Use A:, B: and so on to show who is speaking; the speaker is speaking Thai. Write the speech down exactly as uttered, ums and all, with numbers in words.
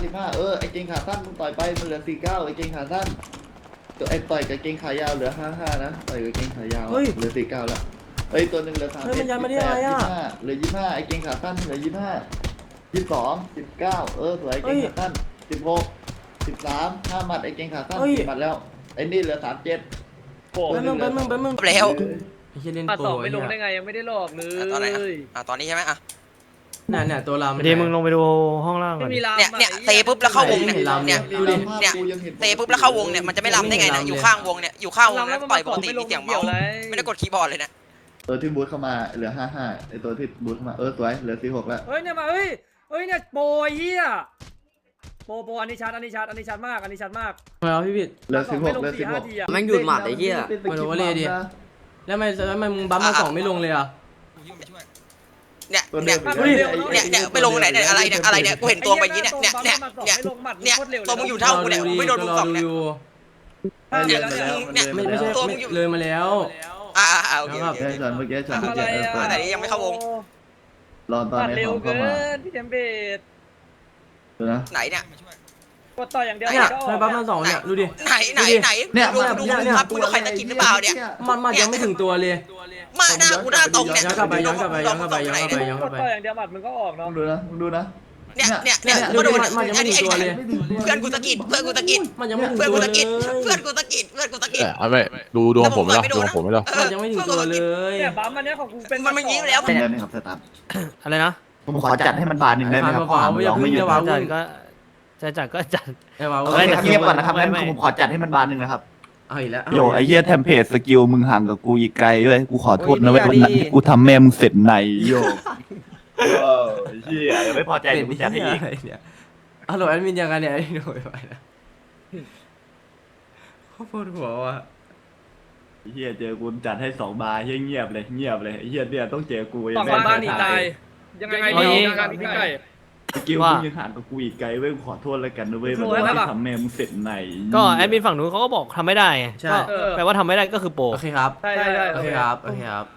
A: สิบห้าเออไอ้เกงขาสั้นมึงต่อยไปมันเหลือสี่เก้าไอ้เกงขาสั้นตัวไอ้ต่อยกับเกงขายาวเหลือห้าห้านะต่อยกับเกงขายาวเหลือสี่เก้าแล้วเอ้ยตัวหนึ่งเหลือสามสิบแปดยี่ห้าเหลือยี่ห้าไอ้เกงขาสั้นเหลือยี่ห้ายี่สองสิบเก้าเออสวยเกงขาสั้นสิบหกสิบสามห้าหมัดไอ้เกงขาสั้นสี่หมัดแล้วไอ้นี่เหลือสามเจ็ด
B: โอ้
C: แป๊บนึงแป๊บนึงแป๊บนึง
D: แล้ว
C: ไอ้เหี้ยเล่น
B: มา
C: โปร
B: สองไม่
C: ไอ้
B: ลง
C: เหี้ย
B: ได้ไงยังไม่ได้หลอกเล
D: อ่ะตอนไหนอ่ะ
B: ย
D: อ่ะตอนนี้ใช่ไหมอ่ะ
C: เนี่ยเนี่ยตัวลำ
E: ทีมึงลงไปดูห้องล่างก่
B: ไม่
E: อน
B: มีลาม
D: เนี่ยเนี่ยเตะปุ๊บแล้วเข้าวงเนี่ย
C: ไม่เห็นลำเนี่ย
D: ดูดิเนี่ยเตะปุ๊บแล้วเข้าวงเนี่ยมันจะไม่ลำได้ไงเนี่ยอยู่ข้างวงเนี่ยอยู่ข้างวงแล้วต่อยปกติมีเสียงเมาส์ไม่ได้กดคีย์บอร์ดเลยเนี่ย
A: ตัวที่บูทเข้ามาเหลือห้าห้าไอ้ตัวที่บูทเข้ามาเออสวยเหลือสี่หกแล้ว
B: เฮ้ยเนี่ยมาเฮ้ยเฮ้ยเนี่ยโปรเฮียโปรโปรอันนี้ชัดอันนี้ชัดอันนี้ชัดมากอันนี้ชัดมาก
C: ทำไมวะพี่บิด
A: เหลือสิบหกเหลือสิบหก
F: แม่งดูดหมัดไอ้เหี้ย
C: ไม่รู้ว่าเลยดิ แล้วทำไมแล้วทำไมมึงบัฟมาสองไม่ลงเลยอ่ะ
D: เนี่ยเนี่ยเนี่ยเนี่ยไม่ลงไหนเนี่ยอะไรเนี่ยอะไรเนี่ยกูเห็นตัวไปอย่างนี้เนี่ยเนี่ยเนี่ยเนี่ยเนี่ยตัวมึงอยู่เท่ากูเนี่ยไม่โดนลุงสองเนี่ย
B: เนี่ยเนี่ย
C: ไม่ไม่ใช่
D: ตัวมึงอยู่
C: เลยมาแล้ว
D: อ่าอ่าโอเค
A: แค่ฉันเมื่อกี้ฉัน
B: ทำ
A: เมื่อ
B: อะไร
A: กี้เออ
B: อ่ะ
A: เปิด
D: แต่นี้ยังไม่เข้าวง
A: รอตอน
B: ปัด
A: ใน
B: เร็
A: ข
B: ว
A: อง
B: เกิ
A: เข้ามาน
B: พี่เทมเบด
A: ดูนะ
D: ไหนเนี่ย
B: กดต่ออย่างเดียว
C: เนี่ย
B: ก็อ
C: ทำไม
B: อก
C: บัฟมาสองเนี่ยดูดิ
D: ไหนไหนไหน
A: เนี่ย
D: ดูดูครับกูดูใครตะกินหรือเปล่าเนี่ย
C: มันมันยังไม่ถึงตัวเลย
D: มาหน้ากูหน้าตรงเนี่ย
C: ย้อนกลับไปย้อนกลับไปย้อนกลับไปย้อนกลับไปย้อนก
B: ก
C: ลับ
B: ด
C: ไป
B: ต่ออย่างเดียวหมัดมันก็ออก
A: ต้อ
B: เนาะ
A: งดูนะต้องดูนะ
D: เนี่ยเนี่ยเนี่ย
C: ดู
D: มา
C: ดิ
D: ดู
C: มันยังไม่ถึงตัวเลย
D: เพื่อนกูตะกินเพื่อนกูตะกิน
C: มันยังไม่ถึง
D: เพื่อน
C: ตัว
D: กู
C: เล
D: ตะ
C: ย
D: กินเพื่อนกูตะกินเพื่อนกูตะกิน
G: เอาไม่ดูดวงผมไม่หรอดวงผมไม่หรอ
C: มันยังไม่ถึงตัวเลย
B: เนี่ยบัมอันเนี้ยของกูเป็น
D: มันไม่ยิงแล้ว
A: เป็นยังไงครับสตาร์
E: อะไรนะ
A: ผมขอจัดให้มันบานหนึ่งได้ไหมครับ
C: เปล่าๆอย่าเพิ่งอย่า
E: จั
C: เพิ่
E: ดก็จะจัดก็จัด
C: ไอ้วาว
E: เฮ้ย
A: เงียบก่อนนะครับงั้นผมขอจัดให้มันบานหนึ่งนะครับ
C: เอาอีกแล้ว
H: โยไอ้เหี้ยเทมเพลตสกิลมึงห่างกับกูอีกไกลเว้ยกูขอโทษนะเว้ยวันนั้นที่กูทำแม่มึงเสร็จในโยเออเหี้ยยังไม่พอใจ
C: เป็
H: เดี๋
C: น
H: ยวกูจัดให้อีก
C: เนี่ยฮัลโหลแอดมินยังไงเนี่ยไอ้หน่วยไปนะเขาปวดหัวว่ะ
H: ไอ้เหี้ยเจอกูจัดให้สองบาร์เหี้ยเงียบเลยเงียบเลยไอ้เหี้ยเนี่ยต้องเจอกู
B: สองบ้านหนีตายยังไงดียังไงพี่ไก่
H: สกิลมึงยังห่างกับกูอีกไกลเว้ยกูขอโทษแล้วกันนะเว้ยวันนั้นที่ทำแม่มึงเสร็จใน
E: ก็แอดมินฝั่งนู้นเขาก็บอกทำไม่ได้ไง
C: ใช่
E: ก็แปลว่าทำไม่ได้ก็คือโปร
C: โอเคครับ
B: ใช่ใช่ใช่
C: โอเคครับโอเคครับ